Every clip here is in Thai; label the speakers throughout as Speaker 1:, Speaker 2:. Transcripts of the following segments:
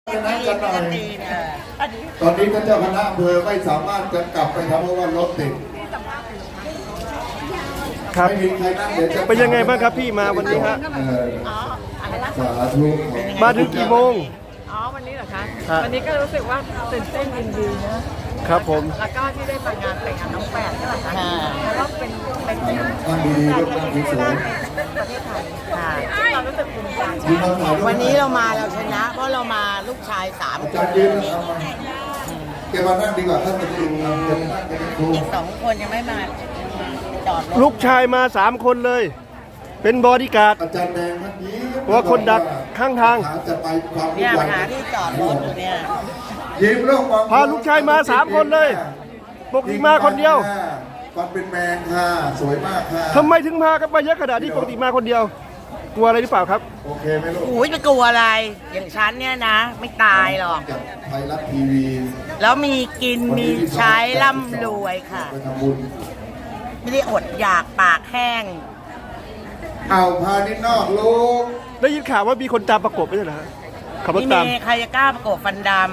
Speaker 1: นั่งกันหน่อยตอนนี้ท่านเจ้าคณะอำเภอไม่สามารถจะกลับไปทำเพราะว่ารถติด
Speaker 2: ครับ
Speaker 1: ไม่มีใครนั่งเดี๋ยวจะ
Speaker 2: เป็นยังไงบ้างครับพี่มาวันนี้ฮะ
Speaker 1: สาธุ
Speaker 2: มาถึงกี่โมง
Speaker 3: วันนี้เหรอคะวันนี้ก็รู้สึกว่าตื่นเต้นยินดีนะครับ
Speaker 2: ผม
Speaker 3: แล้วก็ที่ได้มางานแต่งงานน้องแปดนี่แหละค่ะแล้วก็เป็น
Speaker 1: นั่งดีๆลูกนั่งสวย
Speaker 3: ประเทศไทยค่ะเรารู้สึกภูมิใจ
Speaker 4: วันนี้เรามาเราชนะ เพราะเรามาลูกชาย3 คน
Speaker 1: แกมานั่งดีกว่าท่านจะดูจะนั่งจะดู
Speaker 4: อีก2 คนยังไม่มาจอดรถ
Speaker 2: ลูกชายมา3 คนเลย เป็นบอดี้การ์ด
Speaker 1: อาจารย์แดงเมื่อกี้
Speaker 2: ว่าคนดักข้างทาง
Speaker 1: จะไปความ
Speaker 4: เนี่ยหาที่จอดรถอยู่เนี่ย
Speaker 1: ยิ้มโลก
Speaker 2: พาลูกชายมา3 คนเลยปกติมาคนเดียว
Speaker 1: ความเป็นแมงค่ะสวยมากค่ะ
Speaker 2: ทำไมถึงมากันไปเยอะขนาดนี้ปกติมาคนเดียวกลัวอะไรหรือเปล่าครับ
Speaker 1: โอเคไหมลูก
Speaker 4: อุ้ยไม่กลัวอะไรอย่างฉันเนี่ยนะไม่ตายหรอก
Speaker 1: ไทยรัฐทีวี
Speaker 4: แล้วมีกินมีใช้ร่ำรวยค่ะไม่ได้อดอยากปากแห้ง
Speaker 1: เอาพานิดนอกลูก
Speaker 2: ได้ยินข่าวว่ามีคนตามประกบไม่ใช่เหรอขับรถตาม
Speaker 4: ใครจะกล้าประกบฟันดำ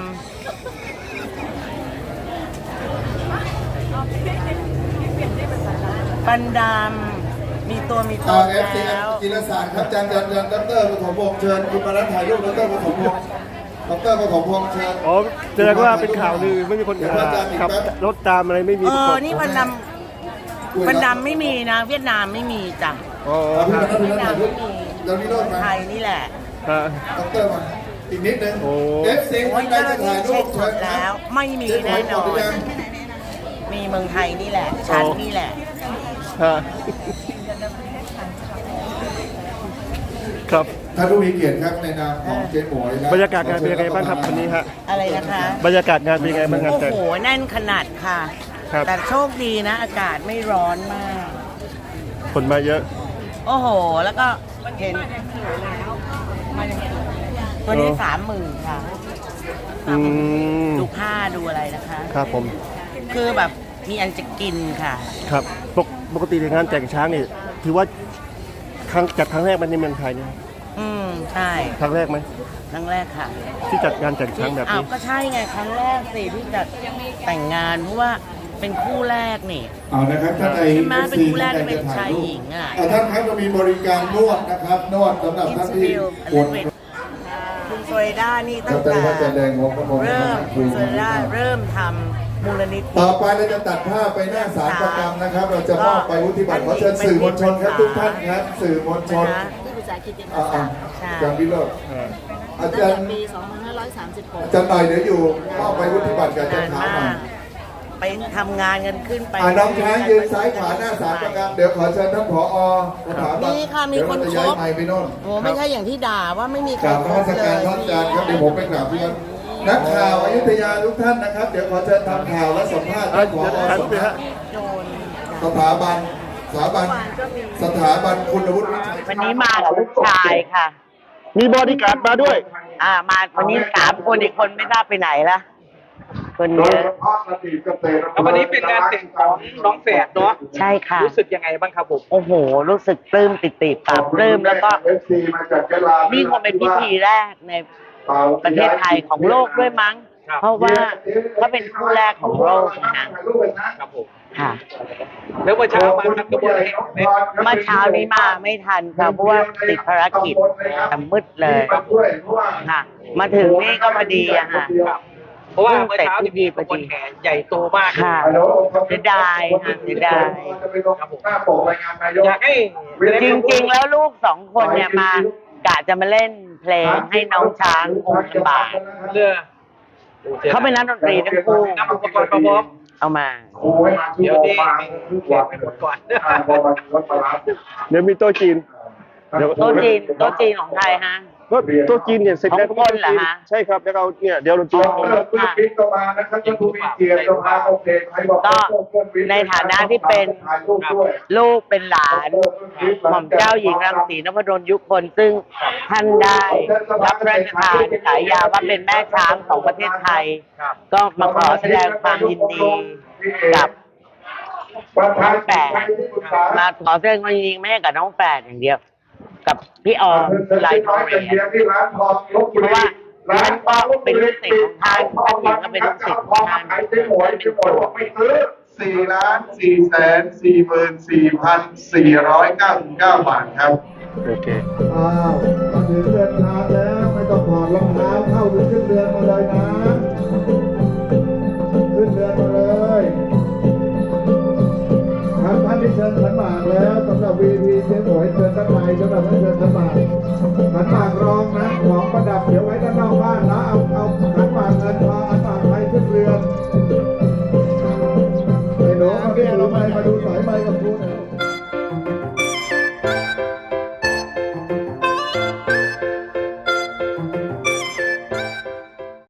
Speaker 4: ฟันดำมีตัว
Speaker 1: แล้วจิรศาสตร์ครับอาจารย์ดร.ปฐมพงษ์เชิญคุณมาถ่ายรูปดร.ปฐมพงษ์ดร.ปฐมพงษ์เชิญ
Speaker 2: อ๋อแสดงว่าเป็นข่าวลือไม่มีคนขับรถตามอะไรไม่มี
Speaker 4: นี่ฟันดำไม่มีนะเวียดนามไม่มีจ้ะ
Speaker 2: อ๋อ
Speaker 1: เวียดนามไม่มีเรานี่รถมา
Speaker 4: ไทยนี่แหละ
Speaker 1: ดร.มาอีกนิดนึง
Speaker 4: FC คนใดจะถ่ายรูปเชิญแล้วไม่มีแน่นอนมีเมืองไทยนี่แหละชั้นนี่แหละ
Speaker 2: ครับ
Speaker 1: ท่านผู้มีเกียรติครับในนามของเจ๊หมวย
Speaker 2: บรรยากาศงานเป็นยังไงบ้างครับวันนี้ฮะ
Speaker 4: อะไรนะคะ
Speaker 2: บรรยากาศงานเป็นยังไงบ้างครับ
Speaker 4: โอ้โหแน่นขนาดค่ะแต่โชคดีนะอากาศไม่ร้อนมาก
Speaker 2: คนมาเยอะ
Speaker 4: โอ้โหแล้วก็เห็นตัวนี้30,000ค่ะดูผ้าดูอะไรนะคะ
Speaker 2: ครับผม
Speaker 4: คือแบบมีอันจะกินค่ะ
Speaker 2: ครับปกติในงานแต่งช้างนี่ถือว่าจัดครั้งแรกในเมืองไทยเนี่ย
Speaker 4: ใช่
Speaker 2: ครั้งแรกไหม
Speaker 4: ครั้งแรกค่ะ
Speaker 2: ที่จัดงานแต่งช้างแบบนี้
Speaker 4: ก็ใช่ไงครั้งแรกสิที่จัดแต่งงานเพราะว่าเป็นคู่แรกนี่
Speaker 1: เอานะครับท่านใด
Speaker 4: เป็นคู่แรกที่เป็นชายหญิง
Speaker 1: ท่านครับเรามีบริการนวดนะครับนวดสำหรับท่านที่ปวด
Speaker 4: คุณโซเรด้านี่ตั้งแต่คุณโซเรด้าเริ่มทำมูลนิธิ
Speaker 1: ต่อไปเราจะตัดภาพไปหน้าศาลประกรรมนะครับเราจะมอบไปวุฒิบัตรขอเชิญสื่อมวลชนครับทุกท่านครับสื่อมวลชน
Speaker 5: ที่ปรึกษากิจการศาสตร์
Speaker 1: อาจารย์วิโรจน์อาจารย์
Speaker 5: ปี2536
Speaker 1: อาจารย์หน่อยเดี๋ยวอยู่มอบไปวุฒิบัตรกับอาจารย์ถามมา
Speaker 4: ไปทำงานกันขึ้นไป
Speaker 1: น้องช้างยืนซ้ายขวาหน้าศาลประกรรมเดี๋ยวขอเชิญท่านผอ.สถาบัน
Speaker 4: นี่ค่ะมีคนครบโอ้ไม่ใช่อย่างที่ด่าว่าไม่มีใครครบเลย
Speaker 1: ท่านอาจารย์ครับเดี๋ยวผมไปกราบเพื่อนนักข่าวอยุธยาทุกท่านนะครับเดี๋ยวขอเชิญทำข่าวและสัมภาษณ์ท่านผอ.สถาบันคุณวุฒิ
Speaker 4: วันนี้มากับลูกชายค่ะ
Speaker 2: มีบอดี้การ์ดมาด้วย
Speaker 4: มาวันนี้3 คนอีกคนไม่ทราบไปไหนละคนเยอะ
Speaker 6: วันนี้เป็นงานแต่งของน้องแฝดเนาะ
Speaker 4: ใช่ค่ะ
Speaker 6: รู้สึกยังไงบ้างครับผม
Speaker 4: โอ้โหรู้สึกปลื้มปิติปราบปลื้มแล้วก็นี่คงเป็นพิธีแรกในประเทศไทยของโลกด้วยมั้งเพราะว่าเขาเป็นคู่แรกของโลก
Speaker 6: นะครับผม
Speaker 4: ค่ะ
Speaker 6: แล้วเมื่อเช้ามาทันกระบวนการ
Speaker 4: เมื่อเช้านี้มาไม่ทันค่ะเพราะว่าติดภารกิจแต่มืดเลยค่ะมาถึงนี่ก็พอดีอะค่ะ
Speaker 6: เพราะว่าเมื่อเช้าที่มีขบวนแห่ใหญ่โตมาก
Speaker 4: ค่ะเสียดายค่ะเสียดาย
Speaker 6: อยากให้
Speaker 4: จริงๆแล้วลูก2 คนเนี่ยมากะจะมาเล่นเพลงให้น้องช้างคงสบายเขาเป็นนักดนตรีทั้งคู่
Speaker 6: นำอุปกรณ์มาพร้อม
Speaker 4: เอามา
Speaker 6: เดี๋ยวดีแขกไปหมดก่อน
Speaker 2: เดี๋ยวมีโต๊ะจีน
Speaker 4: โต๊ะจีนของใครฮะ
Speaker 2: ก็โต๊ะจีนเนี่ยเสร็จแล้ว
Speaker 4: คนเหรอฮะ
Speaker 2: ใช่ครับแล้วเราเนี่ยเดี๋ยวเราจีน
Speaker 4: ก็ในฐานะที่เป็นลูกเป็นหลานหม่อมเจ้าหญิงรังสีนพดลยุคนซึ่งท่านได้รับพระราชทานฉายาว่าเป็นแม่ช้างของประเทศไทยก็มาขอแสดงความยินดีกับน้องแฝดมาขอแสดงความยินดีไม่ใช่กับน้องแฝดอย่างเดียวกับพี่ออมลายทองเหรียญเพราะว่าฉันก็เป็นลูกศิษย์ของท่านท่านหญิงก็เป็นลูกศิษย์ของท่านท่านเป็นครู
Speaker 1: 4,444,499 บาทครับ
Speaker 2: โอเค
Speaker 1: อ้าวมาถึงเดินทางแล้วไม่ต้องถอดรองเท้าเข้าหรือขึ้นเรือนมาเลยนะ ขึ้นเรือนมาเลยครับท่านที่เชิญขันหมากแล้วสำหรับ VP เจ๊หมวยเชิญด้านในสำหรับท่านเชิญขันหมากรองนะของประดับเดี๋ยวไว้ด้านนอกบ้านนะเอา